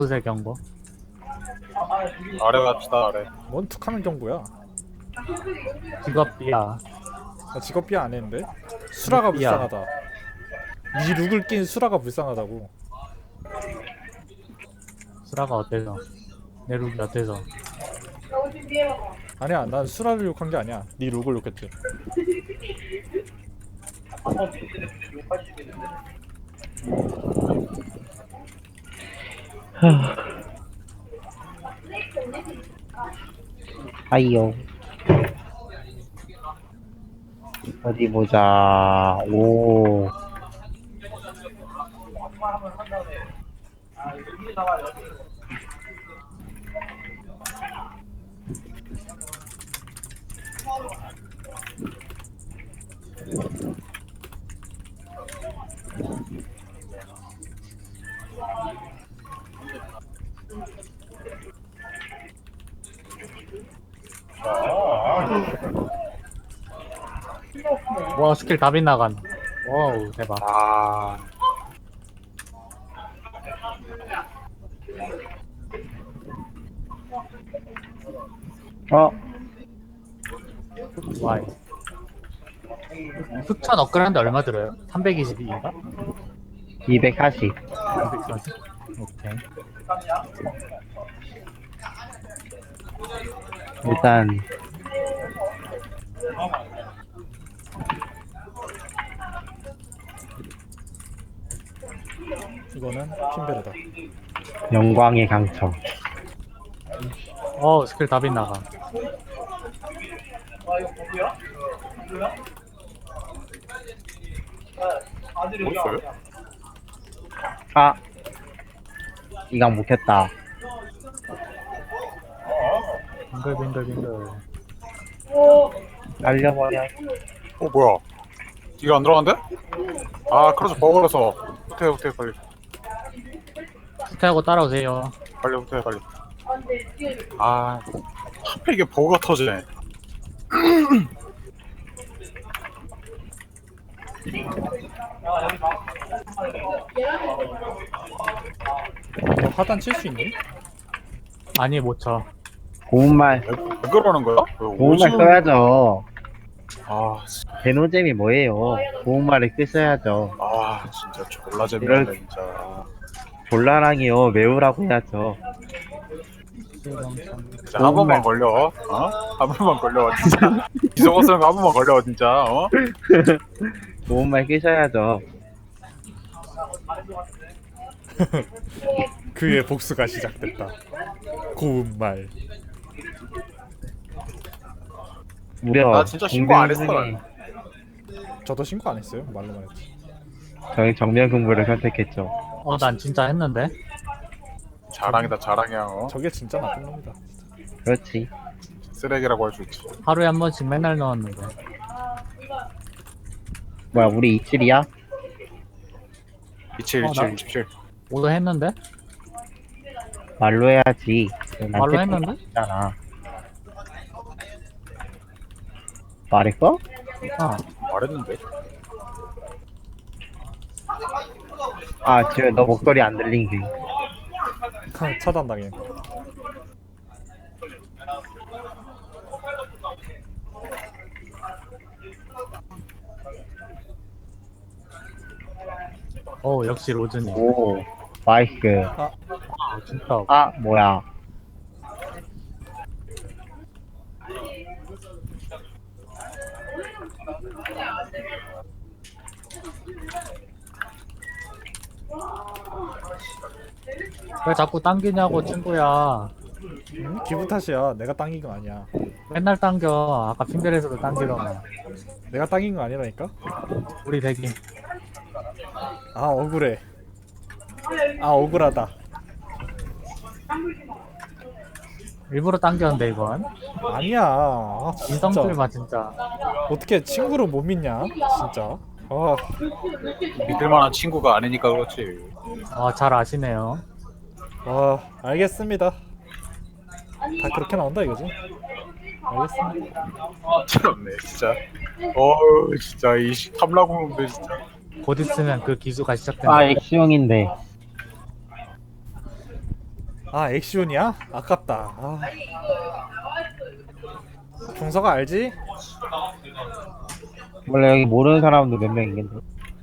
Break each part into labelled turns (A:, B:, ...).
A: 수세 경고.
B: 아래 갑시다 아래.
C: 뭔 툭하는 경고야?
A: 직업비야.
C: 나 직업 비하 안 했는데? 수라가
A: 비하.
C: 불쌍하다. 니 룩을 낀 수라가 불쌍하다고.
A: 수라가 어때서? 내 룩이 어때서?
C: 아니야, 난 수라를 욕한 게 아니야. 니 룩을 욕했지.
D: 하이요. 어디 보자. 오.
A: 와 스킬 다 빗나간. 와우 대박.
B: 아
D: 어,
A: 와이. 흑천 업그레이드인데 얼마 들어요? 322인가?
D: 240.
A: 240? 오케이.
D: 일단,
C: 이거는 핀베르다.
D: 영광의 강청.
A: 스킬 다 빗나간.
B: 뭐 있어요?
D: 아, 이강 못했다.
A: 빙글빙글빙글.
D: 날려버려.
B: 뭐야? 이거 안 들어간대? 아 그래서 버거라서 후퇴 빨리
A: 후퇴하고 따라오세요.
B: 빨리 후퇴 빨리. 아 하필 이게 버거가 터지네.
C: 너 하단 칠 수 있니?
A: 아니 못 쳐.
D: 고운말,
B: 왜 그러는 거야?
D: 고운말 써야죠.
B: 아, 진짜.
D: 대노잼이 뭐예요? 고운말을 쓰셔야죠.
B: 아 진짜 졸라 재밌네 진짜.
D: 곤란하게요. 매우라고 해야죠.
B: 진짜 한 번만 걸려. 한 번만 걸려 진짜. 이성호 쓰는 거한 번만 걸려 진짜.
D: 고운말 끼셔야죠.
C: 그의 복수가 시작됐다. 고운말.
D: 무려
B: 나 진짜 신고 안 했어.
D: 중에
C: 저도 신고 안 했어요. 말로만 했지.
D: 저희 정면 근무를 선택했죠.
A: 난 진짜 했는데.
B: 자랑이다 자랑이야.
C: 저게 진짜 나쁜 놈이다.
D: 그렇지.
B: 쓰레기라고 할 수 있지.
A: 하루에 한 번씩 맨날 넣었는데.
D: 뭐야, 우리 27이야?
B: 27
A: 나-
B: 27 27.
A: 오도 했는데?
D: 말로 해야지.
A: 말로 했는데?
D: 있잖아. 말했어?
B: 말했는데.
D: 아, 지금 너 목소리 안 들린 게.
C: 차단당해.
A: 역시 로즈님.
D: 오, 나이스.
A: 진짜.
D: 아, 뭐야.
A: 왜 자꾸 당기냐고 친구야.
C: 기분 탓이야. 내가 당긴 거 아니야.
A: 맨날 당겨. 아까 핑계에서도 당기더만.
C: 내가 당긴 거 아니라니까?
A: 우리 대기.
C: 아, 억울해. 아, 억울하다.
A: 일부러 당겼는데 이건.
C: 아니야. 아, 진짜.
A: 인성술마 진짜.
C: 어떻게 친구를 못 믿냐? 진짜. 아,
B: 믿을 만한 친구가 아니니까 그렇지.
A: 잘 아시네요.
C: 알겠습니다. 다 그렇게 나온다 이거지? 알겠습니다.
B: 참네 진짜. 어우 진짜 이 탐라궁놈들 진짜.
A: 곧 있으면 그 기수가 시작된다.
D: 아, 액수형인데.
C: 아 액시온이야? 아깝다. 아. 종서가 알지?
D: 원래 여기 모르는 사람도 몇 명 있겠네.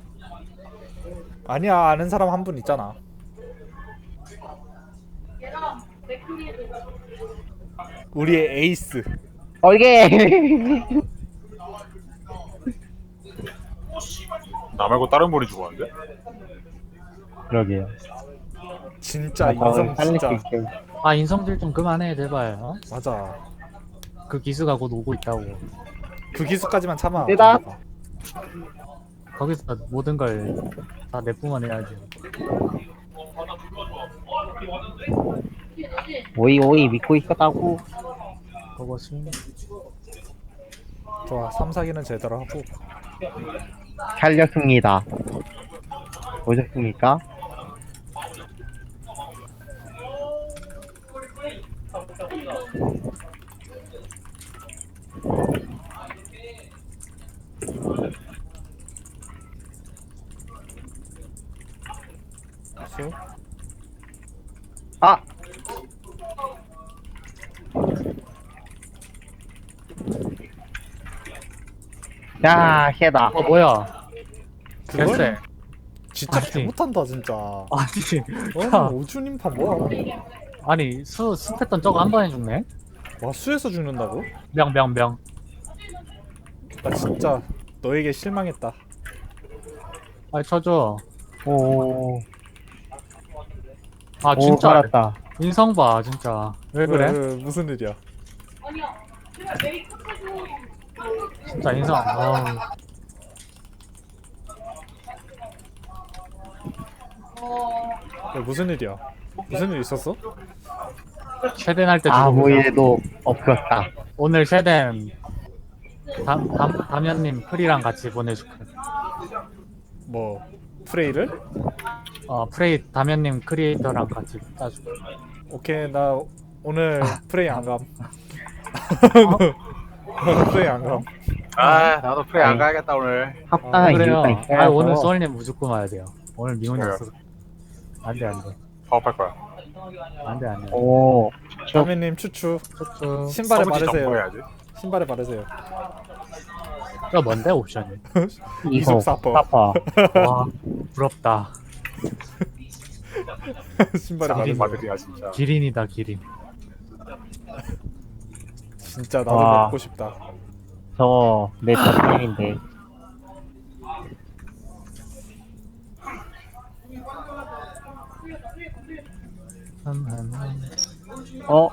C: 아니야 아는 사람 한 분 있잖아. 우리의 에이스.
D: 이게
B: 나 말고 다른 분이 죽었는데?
D: 그러게요.
C: 진짜
D: 나
C: 인성
D: 살릴 수
C: 진짜
D: 있게.
A: 아 인성질 좀 그만해 제발. 어?
C: 맞아.
A: 그 기수가 곧 오고 있다고.
C: 그 기수까지만 참아.
D: 뜨다.
A: 거기서 모든 걸 다 내뿜어 내야지.
D: 오이 믿고 있었다고.
A: 그것이
C: 좋아 3, 4기는 제대로 하고.
D: 살렸습니다. 보셨습니까?
C: 수.
D: 아! 야, 해다.
A: 어 뭐야?
C: 그걸?
A: 됐어.
C: 진짜
A: 아니.
C: 잘못한다 진짜.
A: 아니
C: 오준인파 뭐야?
A: 아니 수 패턴 저거 한 번에 죽네?
C: 와 수에서 죽는다고?
A: 명명명.
C: 나 진짜 너에게 실망했다.
A: 아 쳐줘.
D: 오,
A: 아
D: 오,
A: 진짜
D: 살았다.
A: 인성 봐 진짜. 왜 그래?
C: 무슨 일이야?
A: 진짜 인성. 아우.
C: 야, 무슨 일이야? 무슨 일 있었어?
A: 쉐덴 할 때
D: 아무
A: 죽어보자.
D: 일도 없었다.
A: 오늘 쉐덴 담연님 프리랑 같이 보내줄게.
C: 뭐 프레이를?
A: 프레이 담연님 크리에이터랑 같이 따줄게.
C: 오케이 나 오늘 프레이 안 감. 오늘 프레이 안 감.
B: 아, 나도 프레이 안
D: 아니.
B: 가야겠다 오늘.
D: 합당한
A: 그래요.
D: 이유가 있어야
A: 오늘 소울님 무조건 와야 돼요. 오늘 미혼이
B: 그래요.
A: 없어서. 안돼 안돼
B: 파업할 거야.
A: 안돼 안돼.
D: 오,
C: 자매님 추추.
A: 촉촉.
C: 신발에
B: 서브지
C: 바르세요.
B: 정보해야지.
C: 신발에 바르세요.
A: 저 뭔데 옵션이?
C: 이속 사퍼.
D: 사퍼.
A: 와 부럽다.
C: 신발에
B: 장인
C: 바르세요.
B: 마들이야 진짜.
A: 기린이다 기린.
C: 진짜 나도
D: 와.
C: 먹고 싶다.
D: 저거 내 자신인데. 어?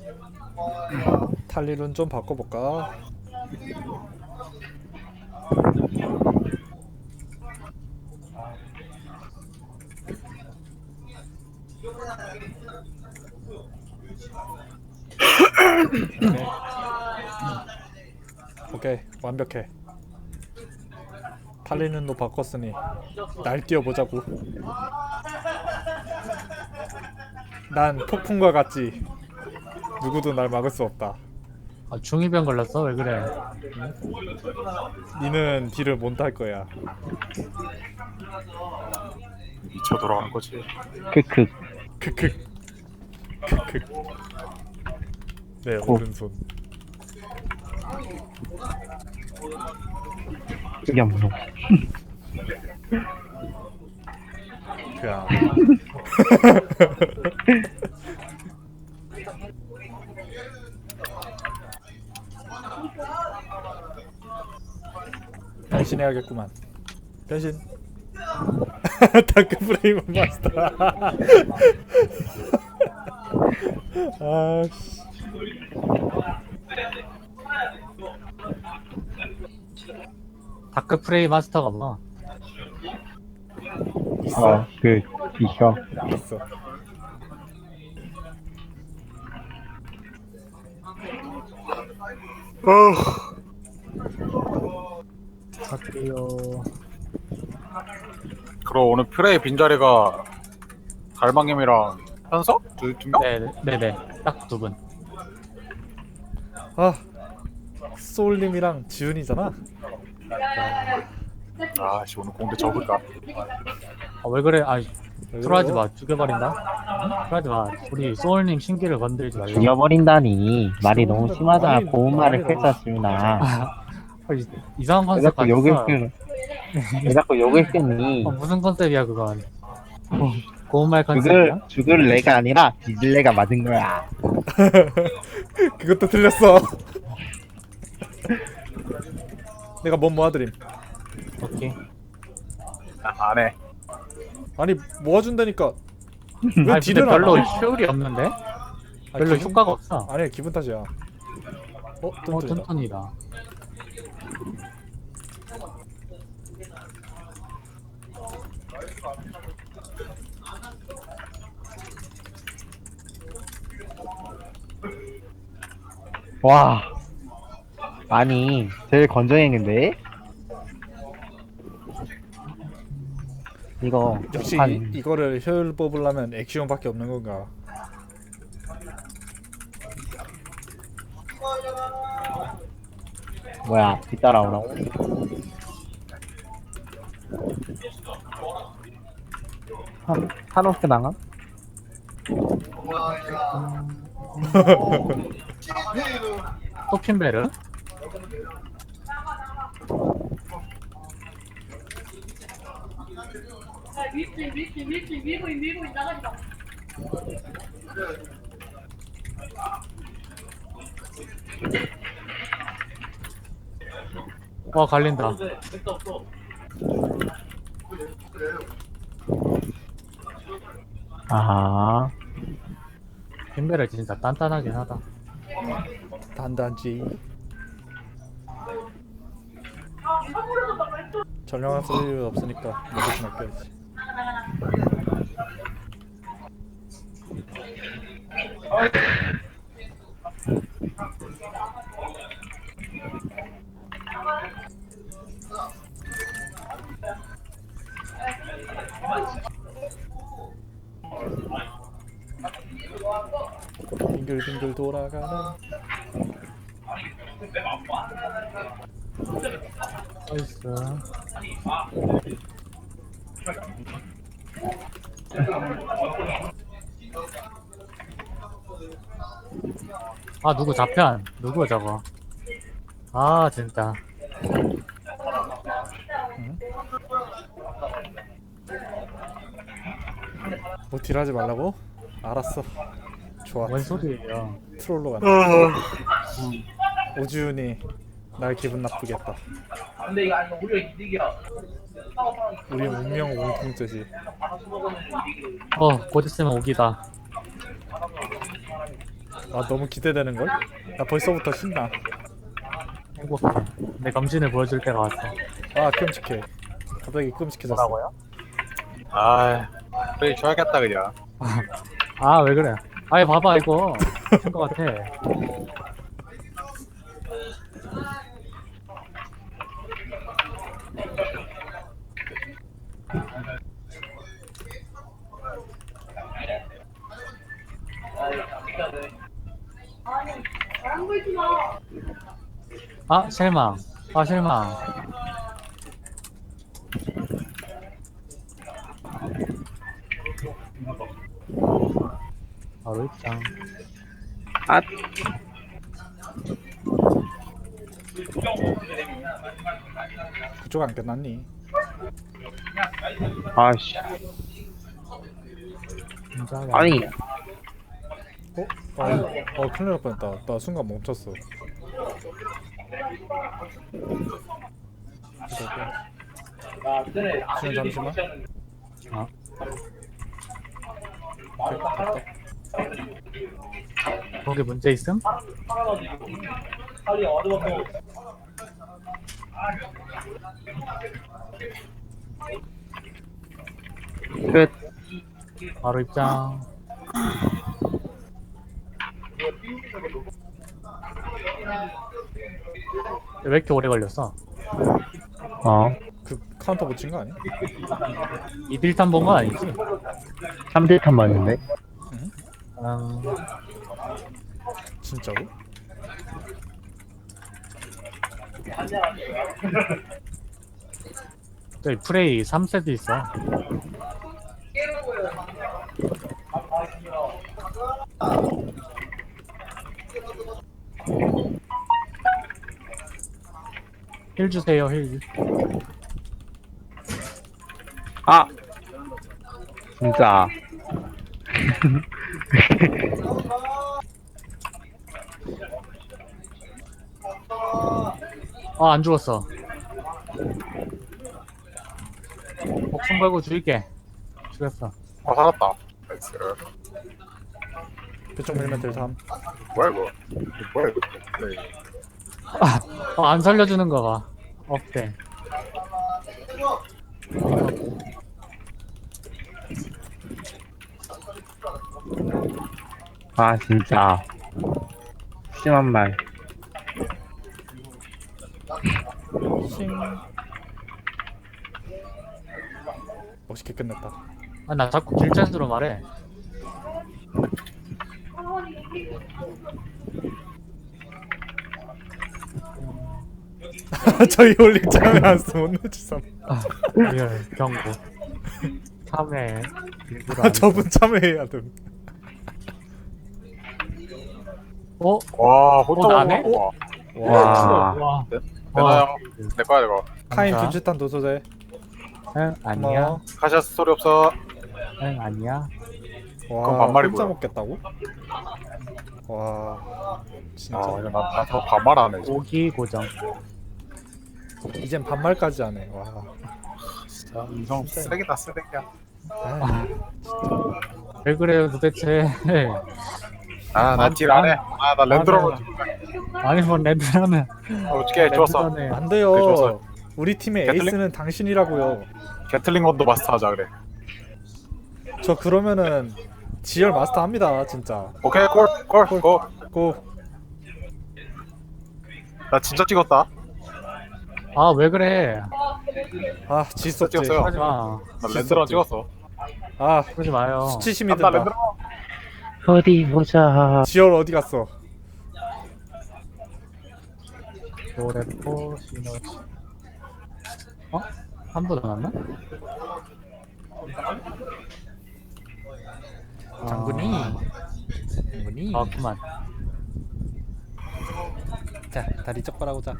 C: 탈리룬 좀 바꿔볼까? 오케이 완벽해. 탈리룬도 바꿨으니 날 뛰어보자고. 난 폭풍과 같지. 누구도 날 막을 수 없다.
A: 중이병 걸렸어? 왜 그래?
C: 니는 딜을 못 할 거야.
B: 미쳐 돌아가는 거지.
D: 크크.
C: 크크 크크. 내
D: 고.
C: 오른손.
D: 흑염소.
C: 그야. 변신해야겠구만. 변신. 다크 프레임 마스터. 아씨.
A: 다크 프레이 마스터가 뭐?
C: 있어.
D: 있어.
C: 있어.
A: 다크요.
B: 그럼 오늘 프레이 빈자리가 갈망님이랑 현석? 두 명?
A: 네네 딱 두 분.
C: 아 소울님이랑 지훈이잖아.
B: 아씨 오늘 공대 접을까?
A: 왜 그래? 들어하지 마. 죽여버린다. 들어하지 마. 우리 소울님 신기를 건들지 말라.
D: 죽여버린다니 말이 너무 심하다.
C: 아니,
D: 고운 말을
C: 아니,
D: 했었습니다.
A: 이상한
D: 왜
A: 컨셉
D: 자꾸
A: 가졌어.
D: 욕을 쓰? 왜 자꾸 욕을 쓰니?
A: 무슨 컨셉이야 그건. 고운 말 컨셉이야?
D: 죽을 내가 아니라 뒤질 내가 맞은 거야.
C: 그것도 틀렸어. 내가 뭔 모아드림.
A: 오케이.
B: 안 해.
C: 아니 모아준다니까. 왜
A: 아니 근데
C: 딜을 안
A: 별로
C: 해?
A: 효율이 없는데?
C: 아,
A: 별로
C: 기분-
A: 효과가 없어.
C: 아니야 기분 탓이야. 뚠뚠이다.
A: 튼튼이다.
D: 와. 아니 제일 건조했는데? 이거
C: 역시
D: 한
C: 이거를 효율 뽑으려면 액션밖에 없는 건가?
D: 뭐야 뒤따라오라고? 한옥스 당함?
A: 또 핀베르?
E: 밀고 나가지 마.
A: 와 갈린다.
D: 아하.
A: 핀베르 진짜 단단하긴 하다.
C: 단단지. 전령할 쓸 이유 없으니까 대신 아껴야지. 빙글빙글 돌아가는
A: 나이스. 아 누구 좌편? 누구 저거? 아 진짜.
C: 뭐 딜하지 말라고? 알았어. 좋아.
A: 뭔 소리예요?
C: 트롤로 간다. 오지훈이 날 기분 나쁘겠다.
E: 근데 이거 아니면 오히려 이득이야.
C: 우리 운명 공통죄지.
A: 곧 있으면 오기다.
C: 아 너무 기대되는 걸? 나 벌써부터 신나.
A: 행복해. 내 검진을 보여줄 때가 왔어.
C: 아 끔찍해. 갑자기 끔찍해졌어.
B: 아, 그래 줘야겠다 그냥.
A: 아 왜 그래? 아이 봐봐 이거 미친 것 같아.
E: 안 걸지 마.
A: 아 실망. 아 실망. 바로 입장.
D: 아.
C: 그쪽 안 끝났니?
D: 아씨.
A: 진짜
D: 아니
C: 큰일 날 뻔했다. 나 순간 멈췄어. 지금 잠시만.
A: 어? 거기 문제 있음?
D: 끝.
A: 바로 입장. 왜 이렇게 오래 걸렸어?
C: 그 카운터 붙인 거 아니야?
A: 이딜탄 본 건 아니지?
D: 3딜탄 맞는데?
C: 진짜로?
A: 저기 프레이 3세트 있어. 힐 주세요 힐.
D: 아 진짜
A: 아 안 죽었어. 목숨 걸고 죽일게. 죽였어.
B: 살았다. 나이스.
C: 그쪽 밀면 될 삼.
B: 뭐야 이거? 뭐야 이거? 네.
A: 안 살려주는 거 봐. 없대.
D: 아 진짜 심한 말.
C: 싱. 멋있게 끝냈다.
A: 아 나 자꾸 길짠수로 말해.
C: 저희 올릭 참여 안 쓰면 못 내주삼.
A: 리얼 경고. 3회 일부러 안
C: 저분 참여해야 됨.
A: 어?
B: 와 혼자
A: 나네?
B: 먹어.
D: 와
A: 와.
B: 되나요? 내 거야 이거.
C: 카인
A: 감사.
C: 분치탄 도서재.
A: 응 아니야.
C: 고마워.
B: 카시아스 소리 없어.
A: 응 아니야.
C: 와,
B: 그건 반말이고요.
C: 혼자 먹겠다고? 와, 진짜.
B: 아 이거 나더 반말하네. 이제.
A: 고기 고정.
C: 이젠 반말까지 하네. 와.
B: 진짜 이성 쓰레기다 쓰레기야.
C: 아,
A: 왜 그래요 도대체.
B: 아나 딜 안 해. 아나 랜드로버.
A: 아니 뭐 랜드라면
B: 어떻게 좋았어.
A: 랜드라네.
C: 안
B: 그래,
C: 돼요.
B: 좋았어요.
C: 우리 팀의
B: 개틀링?
C: 에이스는 당신이라고요.
B: 게틀링 건도 마스터하자 그래.
C: 저 그러면은 지열 마스터 합니다, 진짜.
B: 오케이 콜.
C: 고.
B: 나 진짜 찍었다.
A: 아 왜 그래.
C: 아, 질수 없지.
B: 찍었어요.
A: 하지마.
B: 나 랜드로 찍었어.
C: 아,
A: 그러지 마요.
C: 수치심이
B: 나
C: 든다.
B: 랜드로.
D: 어디 보자.
C: 지열 어디 갔어?
A: 노래포 시너지. 어? 한 번 남았나?
C: 장군이. 장군이.
A: 아 그만.
C: 자, 다리 쩍바라고 자.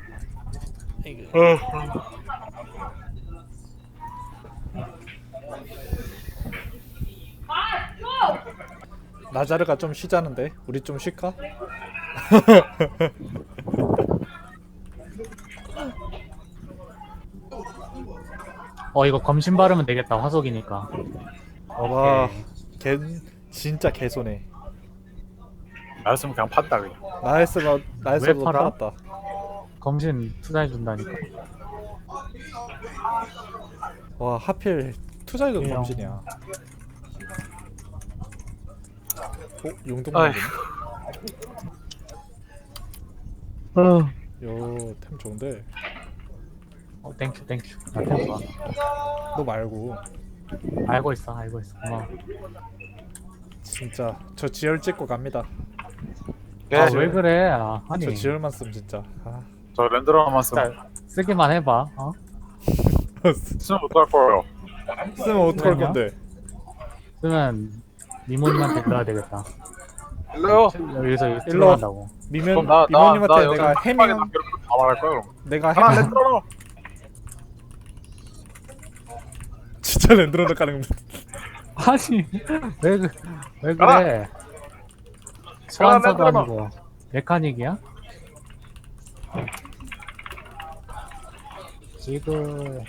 C: 나자르가 좀 쉬자는데 우리 좀 쉴까?
A: 이거 검신 바르면 되겠다. 화속이니까.
C: 와, 개 진짜 개손해.
B: 나였으면 그냥 판다 그냥.
C: 나였으면
A: 왜 팔아?
C: 팔았다.
A: 검신 투자해 준다니까.
C: 와, 하필 투자이도
A: 그냥.
C: 검신이야. 용돈
B: 아휴.
D: 어
C: 요템 좋은데
A: 땡큐. 나 템봐.
C: 너 말고
A: 알고 있어. 고마워.
C: 진짜 저 지열 찍고 갑니다.
B: 예.
A: 아 왜 그래? 아니.
C: 저 지열만 쓰면 진짜. 아.
B: 저 랜드로만 쓰면
A: 진짜 쓰기만 해봐.
B: 쓰면 어떡할 거예요.
C: 쓰면 어떡할
A: 그러냐?
C: 건데?
A: 쓰면 미모님한테 들어야 되겠다.
B: 일로요.
A: 여기서
C: 일로.
A: 들어간다고.
C: 미면
B: 그럼
C: 미모님한테
B: 여기
C: 내가
B: 한 방에
C: 해밍
B: 다 말할 거야 그럼.
C: 내가
B: 하나
C: 해밍
B: 랜드로.
C: 진짜 랜드로드 가는 거.
A: 아니 왜
B: 가라.
A: 그래? 소환사도
B: 랜드로.
A: 아니고 메카닉이야? 지금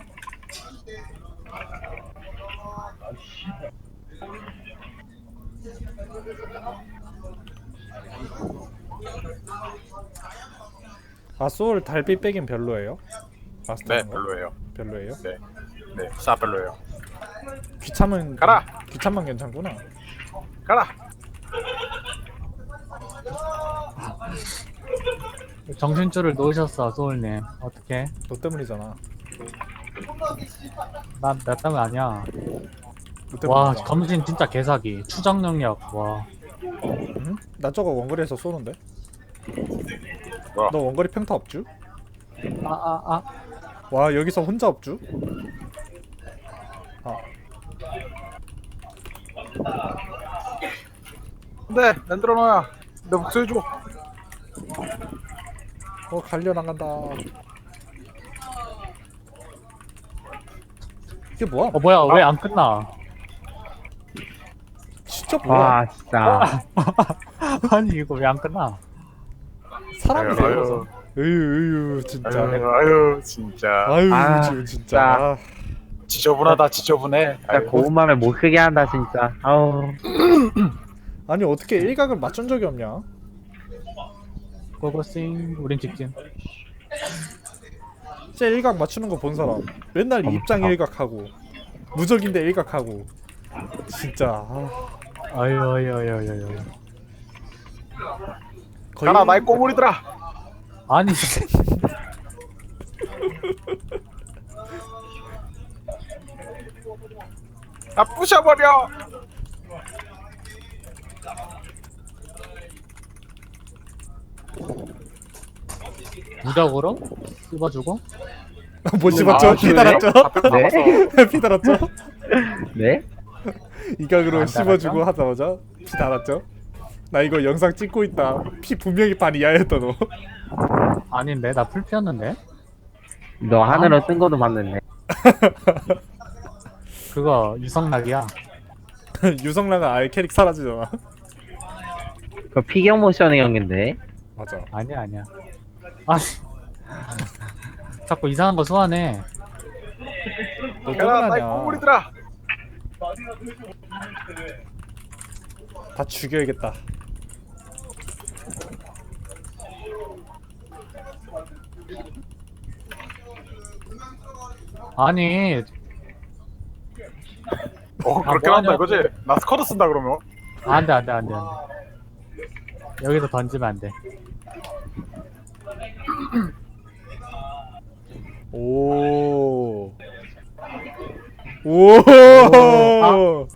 C: 아, 소울 달빛 빼긴 별로예요? 마스터
B: 네
C: 하는 거?
B: 별로예요.
C: 별로예요?
B: 네 싸 별로예요.
C: 귀찮으면
B: 가라.
C: 귀찮만 괜찮구나.
B: 가라.
A: 정신줄을 놓으셨어 소울님. 어떻게?
C: 너 때문이잖아.
A: 나 때문 아니야.
C: 너
A: 와
C: 때문이잖아.
A: 검신 진짜 개사기. 추적 능력 와.
C: 응? 나 저거 원거리에서 쏘는데?
B: 뭐야?
C: 너 원거리 평타 없쥬?
A: 아.
C: 와, 여기서 혼자 없쥬? 아,
B: 네 랜드로야. 내 목소리 줘.
C: 갈려 나간다. 이게 뭐야?
A: 뭐야 왜 안 끝나?
C: 진짜 뭐야?
D: 와 진짜.
A: 아니 이거 왜 안 끝나?
C: 사람이
B: 아유,
C: 되어서. 으유 진짜.
B: 아유 진짜.
C: 아유
D: 아,
C: 진짜.
B: 지저분하다 지저분해.
D: 진짜 고운 맘에 못 쓰게 한다 진짜. 아우.
C: 아니 어떻게 일각을 맞춘 적이 없냐?
A: 고고싱 우린 직진.
C: 진짜 일각 맞추는 거 본 사람. 맨날 입장 일각하고 무적인데 일각하고. 진짜.
A: 아유.
C: 거의
B: 가라 나의 꼬물이들아.
A: 아니
B: 나 부셔버려.
A: 무적으로 씹어주고.
C: 못 씹었죠?
B: 아,
C: 피 달았죠?
D: 네?
C: 피 달았죠?
D: 네?
C: 이각으로
A: 안
C: 씹어주고 하자마자 피 달았죠? 나 이거 영상 찍고 있다. 피 분명히 반 이하였다 너.
A: 아닌데 나 풀 피었는데.
D: 너 하늘로 뜬 거도 봤는데.
A: 그거 유성락이야.
C: 유성랑은 아예 캐릭 사라지잖아.
D: 그 피겨 모션의 경기인데.
C: 맞아.
A: 아니야. 아니 자꾸 이상한 거 소환해.
C: 너
B: 가라 나의
C: 떠나냐?
B: 꼬물이들아.
C: 다 죽여야겠다.
A: 아니
B: 그렇게
A: 뭐
B: 한다
A: 하냐고.
B: 이거지? 나 스쿼드 쓴다 그러면.
A: 안돼. 여기서 던지면 안 돼.
C: 오. 오.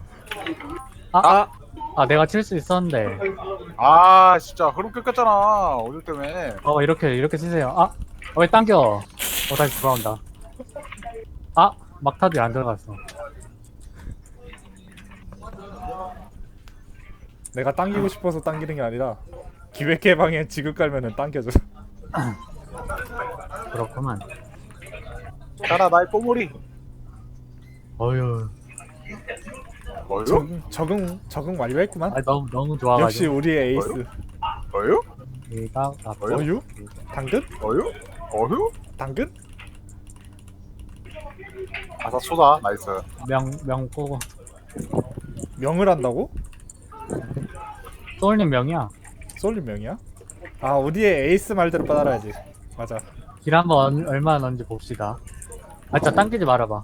A: 아 내가 칠 수 있었는데.
B: 아 진짜 흐름 끊겼잖아 오늘 때문에.
A: 이렇게 치세요. 왜 당겨? 다시 돌아온다. 막타도 안 들어갔어.
C: 내가 당기고 싶어서 당기는 게 아니라 기획 개방에 지급 깔면은 당겨줘.
A: 그렇구만.
B: 가라 나의 꼬물이.
A: 어휴.
B: 어유?
C: 적응 완료했구만.
A: 너무 좋아가지고.
C: 역시 우리의 에이스.
B: 어유?
A: 얘가
C: 어유? 당근?
B: 어유? 어유?
C: 당근?
B: 아사 쏘다 나이스.
A: 명고
C: 명을 한다고?
A: 소울님 명이야.
C: 솔린 명이야? 아 우리의 에이스 말대로 따라야지. 맞아.
A: 길 한번 얼마나 넣는지 봅시다. 진짜 당기지 말아봐.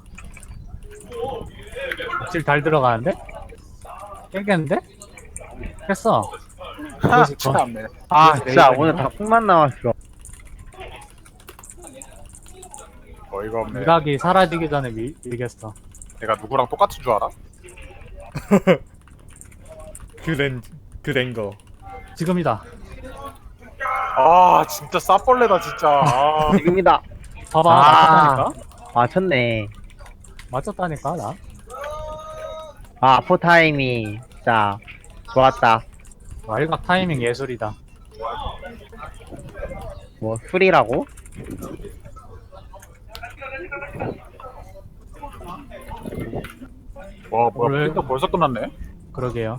A: 질 달 들어가는데? 깨겠는데? 깼어.
B: 하 참네.
D: 아 진짜 오늘 닭국만 나왔어.
B: 어이가 없네.
A: 미각이 사라지기 전에 밀겠어.
B: 내가 누구랑 똑같은 줄 알아?
C: 그랜거.
A: 지금이다.
B: 아 진짜 싸벌레다 진짜. 아.
D: 지금이다.
A: 봐봐.
D: 아.
A: 맞췄다니까?
D: 맞췄네.
A: 맞췄다니까 나.
D: 아포 타임이 진짜 좋았다.
A: 일각 타이밍 예술이다.
D: 뭐 술이라고?
B: 와 뭐야
A: 오늘-
B: 핑크 벌써 끝났네.
A: 그러게요.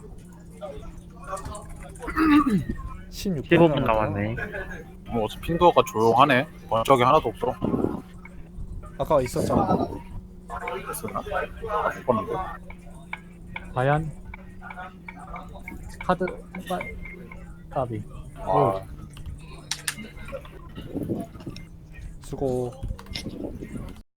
C: 16분
D: 15분 남았네.
B: 뭐 어차피 핑크가 조용하네. 번쩍이 하나도 없어.
C: 아까 있었잖아.
B: 됐었나? 못 봤는데.
A: 과연 카드 까비.
B: 아,
C: 수고.